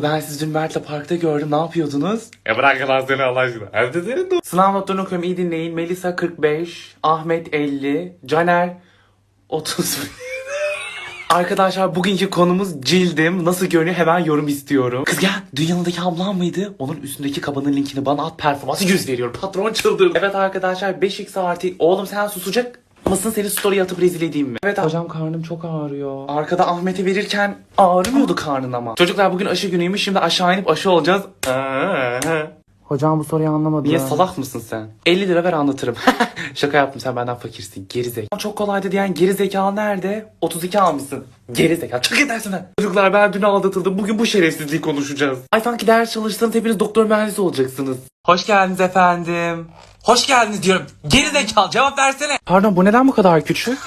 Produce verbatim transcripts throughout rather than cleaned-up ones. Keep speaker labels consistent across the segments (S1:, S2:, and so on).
S1: ben sizi dün Mert'le parkta gördüm. Ne yapıyordunuz?
S2: E bırak lan seni Allah aşkına. Evde senin.
S1: Sınav notlarını okuyorum, iyi dinleyin. Melisa kırk beş, Ahmet elli, Caner otuz. Arkadaşlar bugünkü konumuz cildim. Nasıl görünüyor hemen yorum istiyorum. Kız gel, dün yanındaki ablam mıydı? Onun üstündeki kabanın linkini bana at, performansı yüz veriyorum. Patron çıldırdı. Evet arkadaşlar beş x artı. Oğlum sen susacak mısın, seni story atıp rezil edeyim mi? Evet hocam, karnım çok ağrıyor. Arkada Ahmet'e verirken ağrımıyordu karnın ama. Çocuklar bugün aşı günüymüş, şimdi aşağı inip aşı olacağız. Hocam bu soruyu anlamadım. Niye, salak mısın sen? elli lira ver anlatırım. Şaka yaptım, sen benden fakirsin. Gerizekalı. Çok kolaydı diyen gerizekalı nerede? otuz iki almışsın. Gerizekalı. Çok edersin lan. Çocuklar ben dün aldatıldım. Bugün bu şerefsizliği konuşacağız. Ay sanki ders çalıştığınız hepiniz doktor mühendisi olacaksınız. Hoş geldiniz efendim.
S3: Hoş geldiniz diyorum. Gerizekalı cevap versene.
S1: Pardon, bu neden bu kadar küçük?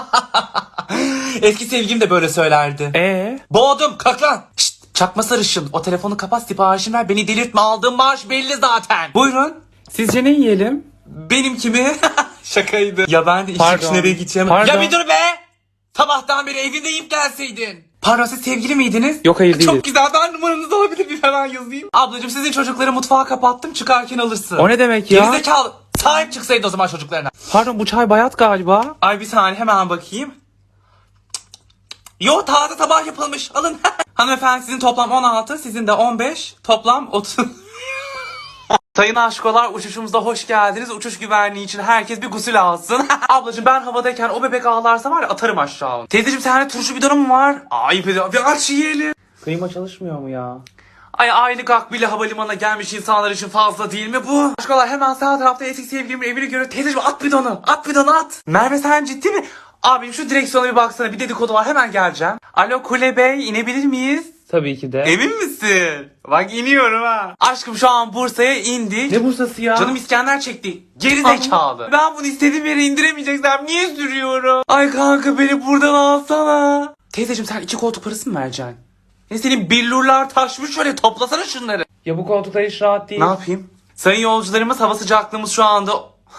S3: Eski sevgilim de böyle söylerdi.
S1: Ee?
S3: Boğdum kalk lan. Şşt, çakma sarışın. O telefonu kapat, siparişini ver. Beni delirtme, aldığım maaş belli zaten.
S1: Buyurun. Sizce ne yiyelim?
S3: Benim kimi? Şakaydı. Ya ben de iş
S1: Pardon.
S3: çıkış nereye gideceğim.
S1: Pardon.
S3: Ya bir dur be. Sabahtan beri evinde yiyip gelseydin.
S1: Pardon, siz sevgili miydiniz? Yok, hayır değiliz.
S3: Çok güzel, ben numaranızı alabilir miyim, hemen yazayım. Ablacığım sizin çocukları mutfağa kapattım, çıkarken alırsın.
S1: O ne demek ya?
S3: Gerizekalı. Sahip çıksaydın o zaman çocuklarına.
S1: Pardon, bu çay bayat galiba.
S3: Ay bir saniye hemen bakayım. Yo, taze sabah yapılmış, alın. Hanımefendi sizin toplam on altı, sizin de on beş, toplam otuz.
S1: Sayın aşkolar, uçuşumuza hoş geldiniz. Uçuş güvenliği için herkes bir gusül alsın. Ablacığım ben havadayken o bebek ağlarsa var ya, atarım aşağı. Teyzeciğim sende turşu bidonu mu var?
S3: Ay bir, bir aç yiyelim.
S1: Kıyma çalışmıyor mu ya?
S3: Ay aylık akbili havalimanına gelmiş insanlar için fazla değil mi bu?
S1: Aşkolar hemen sağ tarafta eski sevgilimin evini görüyor. Teyzeciğim at bidonu. At bidonu at. Merve sen ciddi mi? Abim şu direksiyona bir baksana, bir dedikodu var, hemen geleceğim. Alo Kule Bey, inebilir miyiz? Tabii ki de.
S3: Emin misin? Bak iniyorum ha. Aşkım şu an Bursa'ya indik.
S1: Ne Bursa'sı ya?
S3: Canım İskender çekti. Geri zekalı. Ben bunu istediğim yere indiremeyeceksem niye sürüyorum?
S1: Ay kanka beni buradan alsana. Teyzeciğim sen iki koltuk parası mı vereceksin?
S3: Ne senin billurlar taşmış, şöyle toplasana şunları.
S1: Ya bu koltuklar hiç rahat değil.
S3: Ne yapayım? Sayın yolcularımız, hava sıcaklığımız şu anda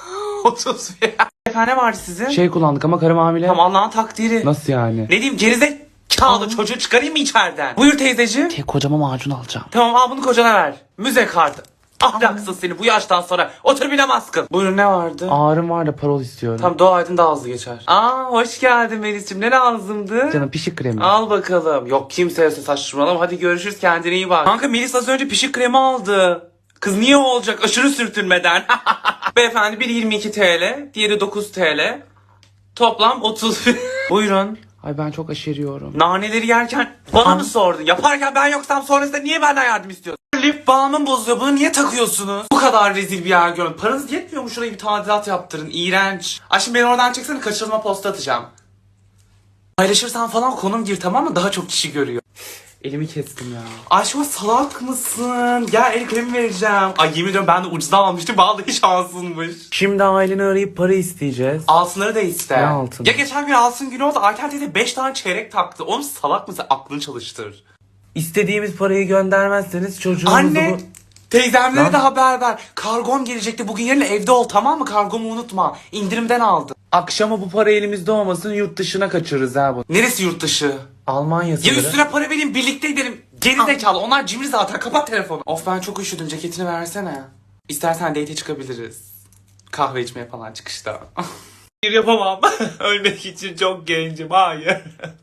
S3: otuz.
S1: Efendim ne vardı sizin? Şey kullandık ama karım hamile.
S3: Tam Allah'ın takdiri.
S1: Nasıl yani?
S3: Ne diyeyim, gerizekalı çocuğu çıkarayım mı içeriden? Buyur teyzeciğim.
S1: Tek kocama macun alacağım.
S3: Tamam, al bunu kocana ver. Müze kartı. Ahlaksız seni, bu yaştan sonra otur bile maskın.
S1: Buyurun ne vardı? Ağrım var da parol istiyorum.
S3: Tam dua edin daha hızlı geçer. Aa hoş geldin Melis'ciğim, ne lazımdı?
S1: Canım pişik kremi.
S3: Al bakalım. Yok kimseye saçmalama, hadi görüşürüz, kendine iyi bak. Kanka Melis az önce pişik kremi aldı. Kız niye olacak aşırı sürtünmeden. Beyefendi biri yirmi iki TL, diğeri dokuz TL. Toplam otuz. Buyurun.
S1: Ay ben çok aşeriyorum.
S3: Naneleri yerken bana mı sordun? Yaparken ben yoksam sonrasında niye benden yardım istiyorsun? Lif balmım bozuyor, bunu niye takıyorsunuz? Bu kadar rezil bir yer görün. Paranız yetmiyor mu, şurayı bir tadilat yaptırın, iğrenç. Ay şimdi beni oradan çeksene, kaçırılma posta atacağım. Paylaşırsan falan konum gir, tamam mı? Daha çok kişi görüyor.
S1: Elimi kestim ya.
S3: Aşkım salak mısın? Gel el kremi vereceğim. Ay yemin ediyorum ben de ucuzdan almıştım. Vallahi şansınmış.
S1: Şimdi aileni arayıp para isteyeceğiz.
S3: Altınları da iste.
S1: Ne altın?
S3: Ya geçen gün altın günü oldu. Ayten teyze beş tane çeyrek taktı. Oğlum salak mısın? Aklını çalıştır.
S1: İstediğimiz parayı göndermezseniz çocuğumuzu...
S3: Anne!
S1: bu-
S3: Teyzemlere
S1: Lan.
S3: de haber ver. Kargom gelecekti. Bugün yarın evde ol, tamam mı? Kargomu unutma. İndirimden aldım.
S1: Akşama bu para elimizde olmasın, yurt dışına kaçırırız ha bu.
S3: Neresi yurt dışı?
S1: Almanya
S3: Ya
S1: sınırı.
S3: üstüne para vereyim, birlikte gidelim. Geri zekalı. Onlar cimri zaten. Kapat telefonu. Of ben çok üşüdüm. Ceketini versene. İstersen date'e çıkabiliriz. Kahve içmeye falan çıkışta. Hayır yapamam. Ölmek için çok gencim. Hayır.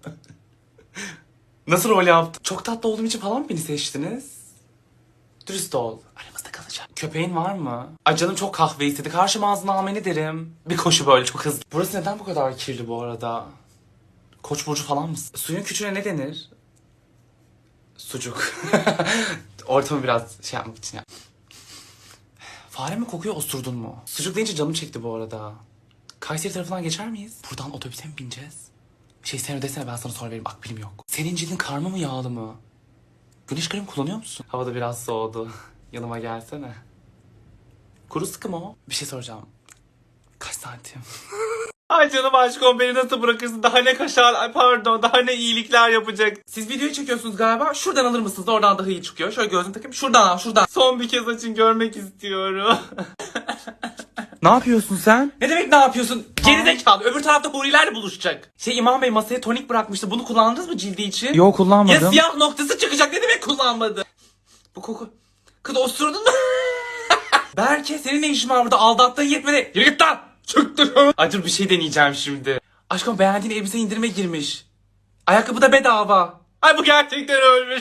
S3: Nasıl rol yaptın? Çok tatlı olduğum için falan mı beni seçtiniz? Dürüst ol. Aramızda kalacak. Köpeğin var mı? Ay canım çok kahve istedi. Karşıma ağzına almanı derim. Bir koşu böyle çok hızlı. Burası neden bu kadar kirli bu arada? Koç burcu falan mısın? Suyun küçüğüne ne denir? Sucuk. Ortamı biraz şey yapmak için ya. Fare mi kokuyor, osurdun mu? Sucuk deyince canım çekti bu arada. Kayseri tarafından geçer miyiz? Buradan otobüse mi bineceğiz? Şey sen ödesene, ben sana sonra vereyim, akbilim yok. Senin cildin karma mı yağlı mı? Güneş kremi kullanıyor musun? Havada biraz soğudu. Yanıma gelsene. Kuru sıkı mı o? Bir şey soracağım. Kaç santim? Ay canım aşkım, beni nasıl bırakırsın? Daha ne kaşar, ay pardon, daha ne iyilikler yapacak. Siz videoyu çekiyorsunuz galiba. Şuradan alır mısınız? Oradan daha iyi çıkıyor. Şöyle gözünü takayım. Şuradan al, şuradan. Son bir kez açın, görmek istiyorum.
S1: Ne yapıyorsun sen?
S3: Ne demek ne yapıyorsun? Gerizekalı. Öbür tarafta hurilerle buluşacak. Şey İmam Bey masaya tonik bırakmıştı. Bunu kullandınız mı cildi için?
S1: Yok kullanmadım.
S3: Ya siyah noktası çıkacak. Ne demek kullanmadı? Bu koku. Kız osurdun mu? Berke senin ne işin var burada? Aldattığın yetmedi. Yürü git lan. Çıktı. Ay dur bir şey deneyeceğim şimdi. Aşkım beğendiğin elbise indirime girmiş. Ayakkabı da bedava. Ay bu gerçekten ölmüş.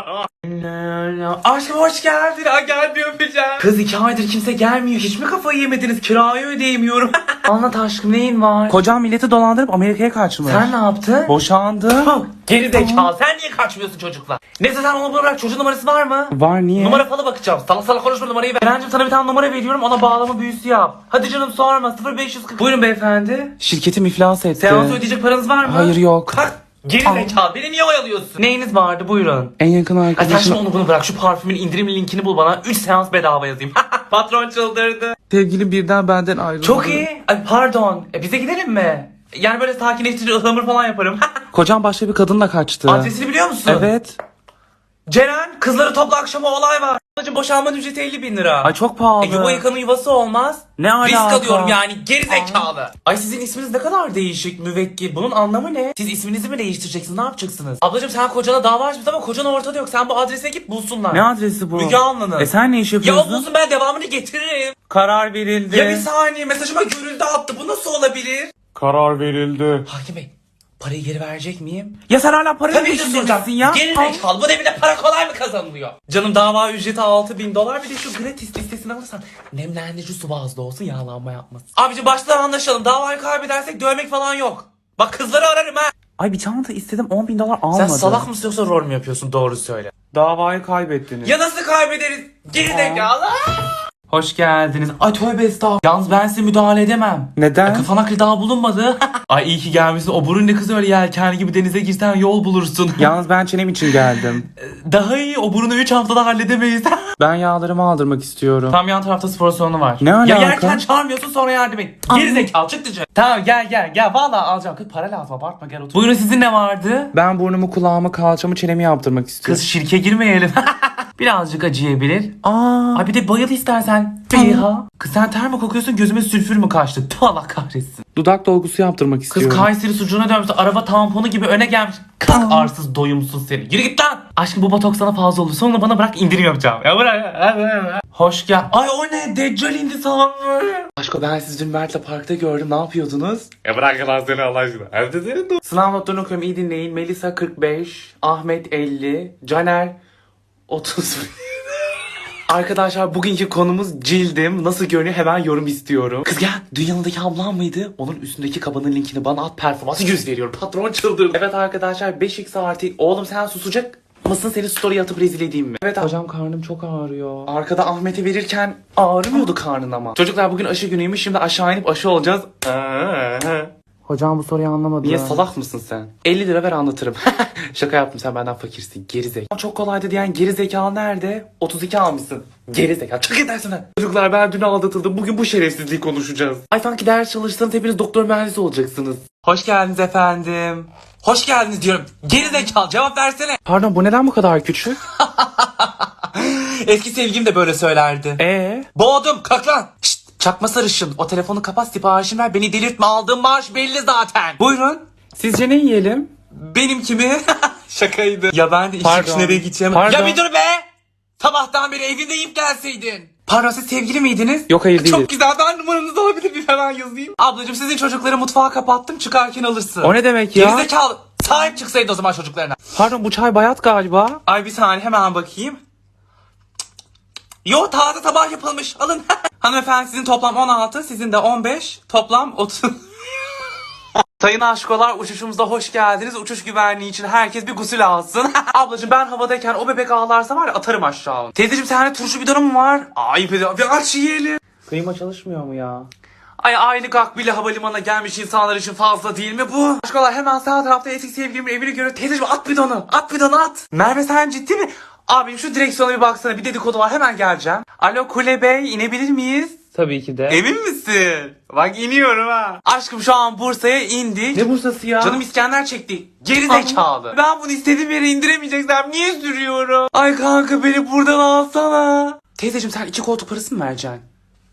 S3: Aşkım hoş geldin. Ay gel bir öpeceğim. Kız iki aydır kimse gelmiyor. Hiç mi kafayı yemediniz? Kirayı ödeyemiyorum. Anlat aşkım neyin var?
S1: Kocam milleti dolandırıp Amerika'ya kaçmış.
S3: Sen ne yaptın?
S1: Boşandı.
S3: Geri zekalı. Sen niye kaçmıyorsun çocukla? Neyse sen onu bırak. Çocuğun numarası var mı?
S1: Var niye?
S3: Numara falan bakacağım. Salak salak konuşma numarayı ver. Berencim sana bir tane numara veriyorum. Ona bağlama büyüsü yap. Hadi canım sorma. sıfır beş yüz kırk. Buyurun beyefendi.
S1: Şirketim iflas etti.
S3: Seansı ödeyecek paranız var mı?
S1: Hayır yok.
S3: Kalk. Geri zekalı. Beni niye oyalıyorsun? Neyiniz vardı buyurun.
S1: En yakın
S3: Ay sen şimdi
S1: arkadaşım.
S3: onu bunu bırak. Şu parfümün indirim linkini bul bana. üç seans bedava yazayım. Patron çıldırdı.
S1: Sevgilim birden benden ayrıldı.
S3: Çok iyi. Ay pardon. E, bize gidelim mi? Yani böyle sakinleştirici ıhlamur falan yaparım.
S1: Kocam başka bir kadınla kaçtı.
S3: Adresini biliyor musun?
S1: Evet.
S3: Ceren kızları topla akşama olay var. Ablacım boşanmanın ücreti elli bin lira.
S1: Ay çok pahalı.
S3: E, yuva yıkanın yuvası olmaz.
S1: Ne alaka?
S3: Risk alıyorum yani geri zekalı. Ay sizin isminiz ne kadar değişik müvekkil. Bunun anlamı ne? Siz isminizi mi değiştireceksiniz ne yapacaksınız? Ablacım sen kocana dava açmışsın ama kocan ortada yok. Sen bu adrese git bulsunlar.
S1: Ne adresi bu?
S3: Müge Anlı'nın.
S1: E sen ne iş
S3: Ya
S1: yapıyorsun?
S3: o bulsun ben devamını getiririm.
S1: Karar verildi.
S3: Ya bir saniye mesajıma görüldü attı. Bu nasıl olabilir?
S2: Karar verildi.
S3: Hakim Bey parayı geri verecek miyim?
S1: Ya sen hala para
S3: Tabii ki
S1: peşinde
S3: soracağım.
S1: misin ya?
S3: Geri zekalı bu devirde para kolay mı kazanılıyor? Canım dava ücreti altı bin dolar bir de şu gratis listesini alırsan nemlendirici su bazlı olsun yağlanma yapmasın. Abici baştan anlaşalım davayı kaybedersek dövmek falan yok. Bak kızları ararım ha.
S1: Ay bir çanta istedim on bin dolar
S3: Sen
S1: almadı.
S3: salak mısın yoksa rol mü yapıyorsun doğru söyle.
S1: Davayı kaybettiniz.
S3: Ya nasıl kaybederiz? Geri zekalı. Hoş geldiniz. Ay tövbe estağfurullah. Yalnız ben size müdahale edemem.
S1: Neden?
S3: Ay, kafan aklı daha bulunmadı. Ay iyi ki gelmişsin. O burun ne kız öyle yelken gibi denize girsen yol bulursun.
S1: Yalnız ben çenem için geldim.
S3: Daha iyi o burunu üç haftada halledemeyiz.
S1: Ben yağlarımı aldırmak istiyorum.
S3: Tam yan tarafta spor salonu var.
S1: Ne
S3: Ya
S1: alaka?
S3: yerken çağırmıyorsun sonra yardım et. Geri zekalı çık dışarı. Tamam gel gel gel vallahi alacağım. Kız para lazım abartma gel otur. Buyurun sizin ne vardı?
S1: Ben burnumu, kulağımı, kalçamı, çenemi yaptırmak istiyorum.
S3: Kız şirke girmeyelim. Birazcık acıyabilir.
S1: Aa.
S3: Ay bir de bayıl istersen. Beyha. Kız sen ter mi kokuyorsun gözüme sülfür mü kaçtı? Tüh Allah kahretsin.
S1: Dudak dolgusu yaptırmak
S3: Kız
S1: istiyorum.
S3: Kayseri sucuğuna dönmüş araba tamponu gibi öne gelmiş. Kalk arsız doyumsuz seni. Yürü git lan. Aşkım bu botoks sana fazla olur. Sonra bana bırak indirim yapacağım. Ya bırak. Hoş gel. Ay o ne? Deccal indi sanırım.
S1: Aşko ben sizi dün Mert'le parkta gördüm. Ne yapıyordunuz?
S2: E bırak lan seni Allah aşkına. Evde senin de.
S1: Sınav notlarını okuyorum. İyi dinleyin. Melisa kırk beş, Ahmet elli, Caner otuz. Arkadaşlar bugünkü konumuz cildim. Nasıl görünüyor hemen yorum istiyorum. Kız gel. Dün yanındaki ablam mıydı? Onun üstündeki kabanın linkini bana at, performansı yüz veriyorum. Patron çıldırdı. Evet arkadaşlar beş x artı. Oğlum sen susacak mısın, seni story atıp rezil edeyim mi? Evet hocam karnım çok ağrıyor. Arkada Ahmet'e verirken ağrımıyordu karnın ama. Çocuklar bugün aşı günüymüş, şimdi aşağı inip aşı olacağız.
S4: Hocam bu soruyu anlamadım.
S1: Niye salak mısın sen? elli lira ver anlatırım. Şaka yaptım, sen benden fakirsin. Geri zekalı. Çok kolaydı diyen geri zekalı nerede? otuz iki almışsın. Geri zekalı. Çık edersin lan. Çocuklar ben dün aldatıldım. Bugün bu şerefsizliği konuşacağız. Ay sanki ders çalışsanız hepiniz doktor mühendisi olacaksınız.
S3: Hoş geldiniz efendim. Hoş geldiniz diyorum. Geri zekalı cevap versene.
S1: Pardon bu neden bu kadar küçük?
S3: Eski sevgilim de böyle söylerdi.
S1: Ee?
S3: Boğdum kalk lan. Şşt, çakma sarışın. O telefonu kapat siparişini ver. Beni delirtme aldığım maaş belli zaten. Buyurun.
S1: Sizce ne yiyelim?
S3: Benim kimi? Şakaydı. Ya ben de iş
S1: Pardon.
S3: çıkışı nereye gideceğim?
S1: Pardon.
S3: Ya bir dur be. Sabahtan beri evinde yiyip gelseydin. Pardon siz sevgili miydiniz?
S1: Yok hayır değil.
S3: Çok güzel ben numaranızı alabilir miyim hemen yazayım. Ablacığım sizin çocukları mutfağa kapattım çıkarken alırsın.
S1: O ne demek ya?
S3: Gerizekalı. Sahip çıksaydı o zaman çocuklarına.
S1: Pardon bu çay bayat galiba.
S3: Ay bir saniye hemen bakayım. Yo taze tabak yapılmış alın. Hanımefendi sizin toplam on altı sizin de on beş toplam otuz. Sayın aşkolar uçuşumuza hoş geldiniz. Uçuş güvenliği için herkes bir gusül alsın. Ablacığım ben havadayken o bebek ağlarsa var ya atarım aşağı. Teyzeciğim sende turşu bidonu mu var? Ay bir, bir aç yiyelim.
S1: Kıyma çalışmıyor mu ya?
S3: Ay aynı Gakbili havalimanına gelmiş insanlar için fazla değil mi bu? Aşkolar hemen sağ tarafta eski sevgilimin evini görüyor. Teyzeciğim at bidonu. At bidonu at. Merve sen ciddi mi? Abim şu direksiyona bir baksana bir dedikodu var hemen geleceğim. Alo Kule Bey inebilir miyiz?
S1: Tabii ki de.
S3: Emin misin? Bak iniyorum ha. Aşkım şu an Bursa'ya indik.
S1: Ne Bursa'sı ya?
S3: Canım İskender çekti. Geri zekalı. Ben bunu istediğim yere indiremeyeceksem niye sürüyorum? Ay kanka beni buradan alsana. Teyzeciğim sen iki koltuk parası mı vereceksin?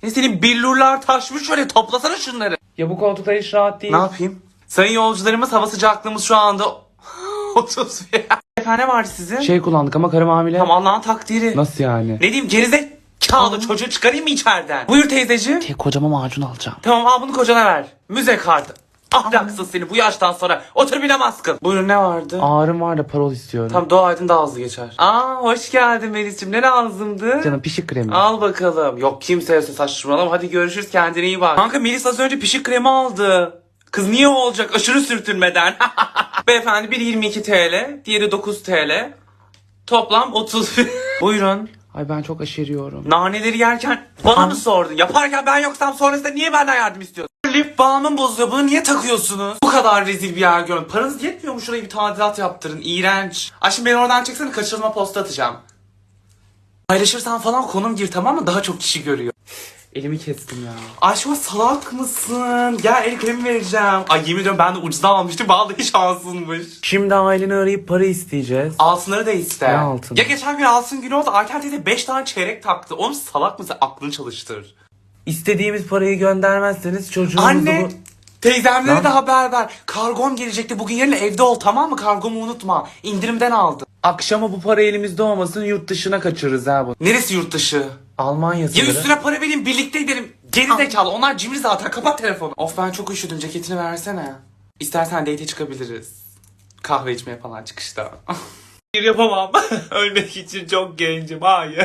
S3: Ne senin billurlar taşmış, şöyle toplasana şunları.
S1: Ya bu koltuklar hiç rahat değil.
S3: Ne yapayım? Sayın yolcularımız, hava sıcaklığımız şu anda otuz. Efendim, ne vardı sizin?
S1: Şey kullandık ama karım hamile.
S3: Tam Allah'ın takdiri.
S1: Nasıl yani?
S3: Ne diyeyim, gerizekalı çocuğu çıkarayım mı içeriden? Buyur teyzeciğim.
S1: Tek kocama macun alacağım.
S3: Tamam, al bunu kocana ver. Müze kartı. Ahlaksız seni, bu yaştan sonra otur bile maskın. Buyurun, ne vardı?
S1: Ağrım var da parol istiyorum.
S3: Tam dua edin, daha hızlı geçer. Aa, hoş geldin Melis'ciğim, ne lazımdı?
S1: Canım pişik kremi.
S3: Al bakalım. Yok, kimseye saçmalama, hadi görüşürüz, kendine iyi bak. Kanka, Melis az önce pişik kremi aldı. Kız niye olacak aşırı sürtünmeden? Beyefendi, biri yirmi iki TL, diğeri dokuz TL. Toplam otuz. Buyurun.
S1: Ay ben çok aşeriyorum.
S3: Naneleri yerken bana mı sordun? Yaparken ben yoksam sonrasında niye benden yardım istiyorsun? Lip balmım bozuluyor, bunu niye takıyorsunuz? Bu kadar rezil bir yer görün. Paranız yetmiyor mu, şurayı bir tadilat yaptırın? İğrenç. Ay şimdi beni oradan çeksene, kaçırılma posta atacağım. Paylaşırsan falan konum gir, tamam mı? Daha çok kişi görüyor.
S1: Elimi kestim ya.
S3: Aşkım, salak mısın? Gel, el kremi vereceğim. Ay yemin ediyorum, ben de ucuzdan almıştım. Vallahi şansınmış.
S1: Şimdi aileni arayıp para isteyeceğiz.
S3: Altınları da iste.
S1: Ne altını?
S3: Ya geçen gün altın günü oldu. Ayten teyze beş tane çeyrek taktı. Oğlum salak mısın? Aklını çalıştır.
S1: İstediğimiz parayı göndermezseniz çocuğumuzu...
S3: Anne!
S1: bu-
S3: Teyzemlere
S1: Lan.
S3: de haber ver. Kargom gelecekti. Bugün yarın evde ol, tamam mı? Kargomu unutma. İndirimden aldım.
S1: Akşama bu para elimizde olmasın, yurt dışına kaçırırız ha bu.
S3: Neresi yurt dışı?
S1: Almanya
S3: Ya
S1: sınırı.
S3: üstüne para vereyim, birlikte gidelim. Geri zekalı. Onlar cimri zaten. Kapat telefonu. Of, ben çok üşüdüm. Ceketini versene. İstersen date'e çıkabiliriz. Kahve içmeye falan çıkışta. Hayır, yapamam. Ölmek için çok gencim. Hayır.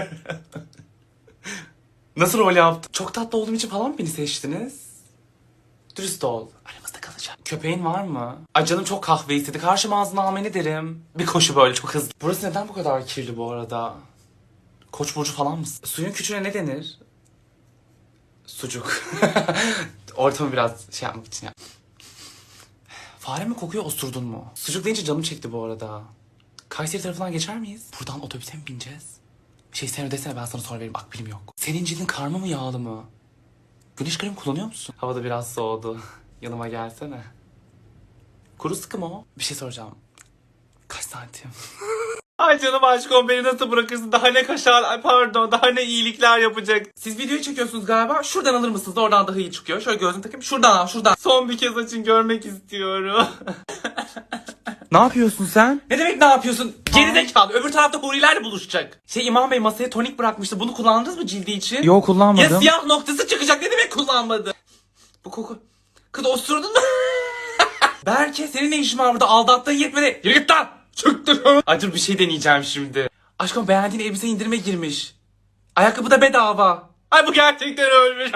S3: Nasıl rol yaptın? Çok tatlı olduğum için falan mı beni seçtiniz? Dürüst ol. Aramızda kalacak. Köpeğin var mı? Ay canım çok kahve istedi. Karşıma ağzına almanı derim. Bir koşu böyle çok hızlı. Burası neden bu kadar kirli bu arada? Koç burcu falan mısın? Suyun küçüğüne ne denir? Sucuk. Ortamı biraz şey yapmak için ya. Fare mi kokuyor, osurdun mu? Sucuk deyince canım çekti bu arada. Kayseri tarafından geçer miyiz? Buradan otobüse mi bineceğiz? Şey, sen ödesene, ben sana sonra vereyim, akbilim yok. Senin cildin karma mı, yağlı mı? Güneş kremi kullanıyor musun? Havada biraz soğudu. Yanıma gelsene. Kuru sıkı mı o? Bir şey soracağım. Kaç santim? Ay canım aşkım, beni nasıl bırakırsın? Daha ne kaşar, ay pardon, daha ne iyilikler yapacak. Siz videoyu çekiyorsunuz galiba. Şuradan alır mısınız? Oradan daha iyi çıkıyor. Şöyle gözünü takayım. Şuradan al, şuradan. Son bir kez açın, görmek istiyorum.
S1: Ne yapıyorsun sen?
S3: Ne demek ne yapıyorsun? Gerizekalı. Öbür tarafta hurilerle buluşacak. Şey, İmam Bey masaya tonik bırakmıştı. Bunu kullandınız mı cildi için?
S1: Yok, kullanmadım.
S3: Ya siyah noktası çıkacak, ne demek kullanmadı? Bu koku. Kız osurdun mu? Berke, senin ne işin var burada? Aldattığın yetmedi. Yürü git lan. Çıktı. Ay dur, bir şey deneyeceğim şimdi. Aşkım, beğendiğin elbise indirime girmiş. Ayakkabı da bedava. Ay bu gerçekten ölmüş.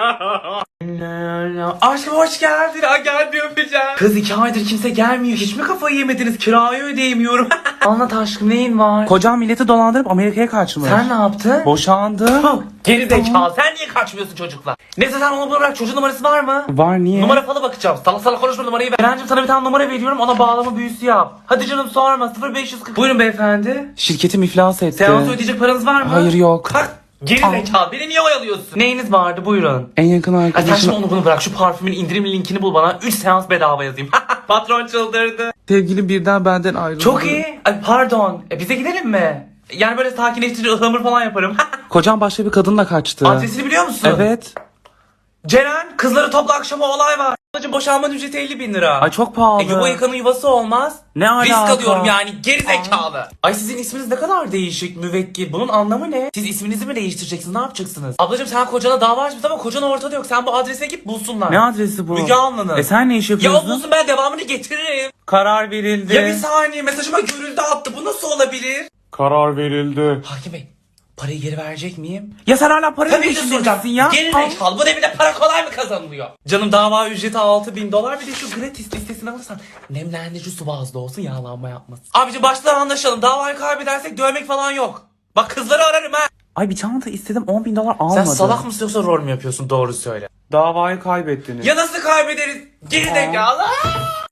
S3: Aşkım hoş geldin. Ay gel, bir öpeceğim. Kız, iki aydır kimse gelmiyor. Hiç mi kafayı yemediniz? Kirayı ödeyemiyorum.
S1: Anlat aşkım, neyin var?
S3: Kocam milleti dolandırıp Amerika'ya kaçmış.
S1: Sen ne yaptın?
S3: Boşandı.
S1: Geri zekalı, sen niye kaçmıyorsun çocukla? Neyse, sen onu bırak, çocuğun numarası var mı?
S3: Var, niye?
S1: Numara falan bakacağım. Salak salak konuşma, numarayı ver. Berencim, sana bir tane numara veriyorum, ona bağlama büyüsü yap. Hadi canım, sorma. sıfır beş yüz kırk. Buyurun beyefendi.
S3: Şirketim iflas etti.
S1: Seansı ödeyecek paranız var mı?
S3: Hayır, yok.
S1: Kalk. Geri zekalı, beni niye oyalıyorsun? Neyiniz vardı, buyurun.
S3: En yakın
S1: Ay sen şimdi
S3: arkadaşım.
S1: onu bunu bırak, şu parfümün indirim linkini bul bana, üç seans bedava yazayım. Patron çıldırdı.
S3: Sevgilim birden benden ayrıldı.
S1: Çok iyi. Ay pardon, e, bize gidelim mi? Yani böyle sakinleştirici ıhlamur falan yaparım.
S3: Kocam başka bir kadınla kaçtı.
S1: Adresini biliyor musun?
S3: Evet.
S1: Ceren, kızları topla, akşama olay var. Ablacım, boşanma ücreti elli bin lira.
S3: Ay çok pahalı.
S1: E, yuva yıkanın yuvası olmaz.
S3: Ne alaka?
S1: Risk alıyorum yani, geri zekalı. Ay sizin isminiz ne kadar değişik, müvekkil. Bunun anlamı ne? Siz isminizi mi değiştireceksiniz, ne yapacaksınız? Ablacım, sen kocana dava açmışsın ama kocan ortada yok. Sen bu adrese git, bulsunlar.
S3: Ne adresi bu?
S1: Müge Anlı'nın.
S3: E sen ne iş
S1: Ya
S3: yapıyorsun?
S1: o bulsun, ben devamını getiririm.
S3: Karar verildi.
S1: Ya bir saniye, mesajıma görüldü attı. Bu nasıl olabilir?
S2: Karar verildi.
S1: Hakim Bey, parayı geri verecek miyim?
S3: Ya sen hala para
S1: Tabii ki
S3: peşinde
S1: soracağım.
S3: misin ya?
S1: Geri zekalı, bu devirde para kolay mı kazanılıyor? Canım, dava ücreti altı bin dolar, bir de şu gratis listesini alırsan nemlendirici su bazlı olsun, yağlanma yapmasın. Abici, baştan anlaşalım, davayı kaybedersek dövmek falan yok. Bak, kızları ararım ha.
S3: Ay bir çanta istedim, on bin dolar
S1: Sen
S3: almadı.
S1: salak mısın yoksa rol mü yapıyorsun, doğru söyle.
S3: Davayı kaybettiniz.
S1: Ya nasıl kaybederiz? Geri zekalı.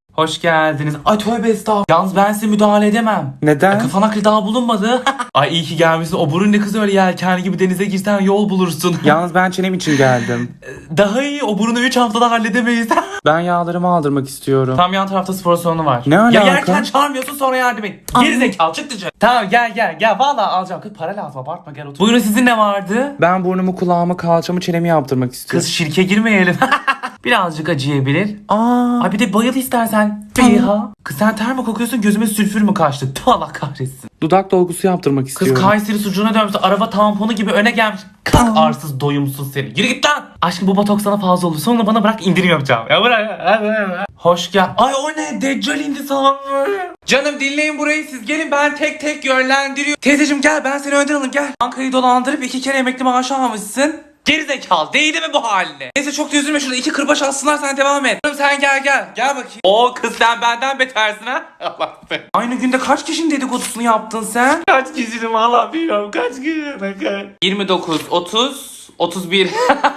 S3: Hoş geldiniz. Ay tövbe estağfurullah. Yalnız ben size müdahale edemem.
S1: Neden?
S3: Ay, kafan aklı daha bulunmadı. Ay iyi ki gelmişsin. O burun ne kız öyle yelken gibi denize girsen yol bulursun.
S1: Yalnız ben çenem için geldim.
S3: Daha iyi. O burunu üç haftada halledemeyiz.
S1: Ben yağlarımı aldırmak istiyorum.
S3: Tam yan tarafta spor salonu var.
S1: Ne
S3: Ya
S1: alaka?
S3: yerken çağırmıyorsun sonra yardım et. Geri zekalı çık dışarı. Tamam gel gel gel. Vallahi alacağım. Kız para lazım abartma gel otur. Buyurun sizin ne vardı?
S1: Ben burnumu, kulağımı, kalçamı, çenemi yaptırmak istiyorum.
S3: Kız şirke girmeyelim. Birazcık acıyabilir.
S1: Aa.
S3: Ay bir de bayıl istersen. Beyha. Kız sen ter mi kokuyorsun gözüme sülfür mü kaçtı? Tüh Allah kahretsin.
S1: Dudak dolgusu yaptırmak
S3: Kız
S1: istiyorum.
S3: Kayseri sucuğuna dönmüş araba tamponu gibi öne gelmiş. Kalk arsız doyumsuz seni. Yürü git lan. Aşkım bu botoks sana fazla olur. Sonra bana bırak indirim yapacağım. Ya bırak. Hoş gel. Ay o ne? Deccal indi sana. Canım dinleyin burayı siz gelin ben tek tek yönlendiriyorum. Teyzeciğim gel ben seni önden alayım gel. Bankayı dolandırıp iki kere emekli maaşı almışsın. Gerizekalı değdi mi bu haline? Neyse çok da üzülme şurada iki kırbaç alsınlar sen devam et. Canım sen gel gel gel bakayım. O kız sen benden betersin ha. Allah be. Aynı günde kaç kişinin dedikodusunu yaptın sen?
S2: Kaç kişinin valla bilmiyorum kaç kişinin kaç.
S3: yirmi dokuz, otuz, otuz bir.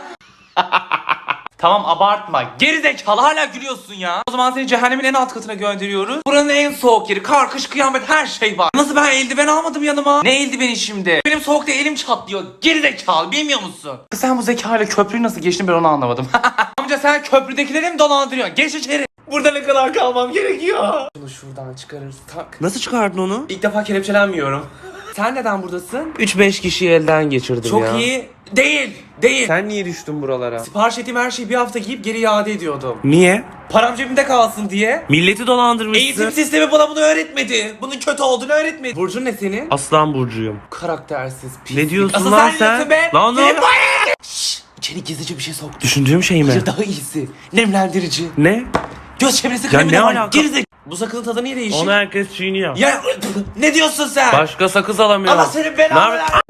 S3: Tamam abartma. Gerizekalı hala gülüyorsun ya. O zaman seni cehennemin en alt katına gönderiyoruz. Buranın en soğuk yeri. Kar, kış, kıyamet her şey var. Nasıl ben eldiven almadım yanıma? Ne eldiveni şimdi? Benim soğukta elim çatlıyor. Gerizekalı bilmiyor musun? Sen bu zekayla köprüyü nasıl geçtin ben onu anlamadım. Amca sen köprüdekileri mi dolandırıyorsun? Geç içeri.
S2: Burada ne kadar kalmam gerekiyor?
S3: Bunu şuradan çıkarırız tak.
S5: Nasıl çıkardın onu?
S3: İlk defa kelepçelenmiyorum. Sen neden buradasın?
S5: üç beş kişiyi elden geçirdim
S3: Çok
S5: ya.
S3: iyi. Değil. Değil.
S5: Sen niye düştün buralara?
S3: Sipariş ettiğim her şeyi bir hafta giyip geri iade ediyordum.
S5: Niye?
S3: Param cebimde kalsın diye.
S5: Milleti dolandırmışsın.
S3: Eğitim sistemi bana bunu öğretmedi. Bunun kötü olduğunu öğretmedi. Burcun ne senin?
S5: Aslan burcuyum.
S3: Karaktersiz pislik.
S5: Ne diyorsun
S3: Asıl
S5: lan
S3: sen?
S5: sen?
S3: diyorsun be.
S5: Lan ne
S3: Senin
S5: oluyor?
S3: bu- Şşş, İçeri gizlice bir şey soktu.
S5: Düşündüğüm şey mi?
S3: Hayır daha iyisi. Nemlendirici.
S5: Ne?
S3: Göz çevresi
S5: Ya
S3: kremi
S5: ne
S3: de var.
S5: alaka?
S3: Gerizek. Bu sakızın tadı niye değişik?
S5: Onu herkes çiğniyor.
S3: Ya ne diyorsun sen?
S5: Başka sakız alamıyor.
S3: Allah senin
S5: Ne
S3: belanı
S5: haber-
S3: versin.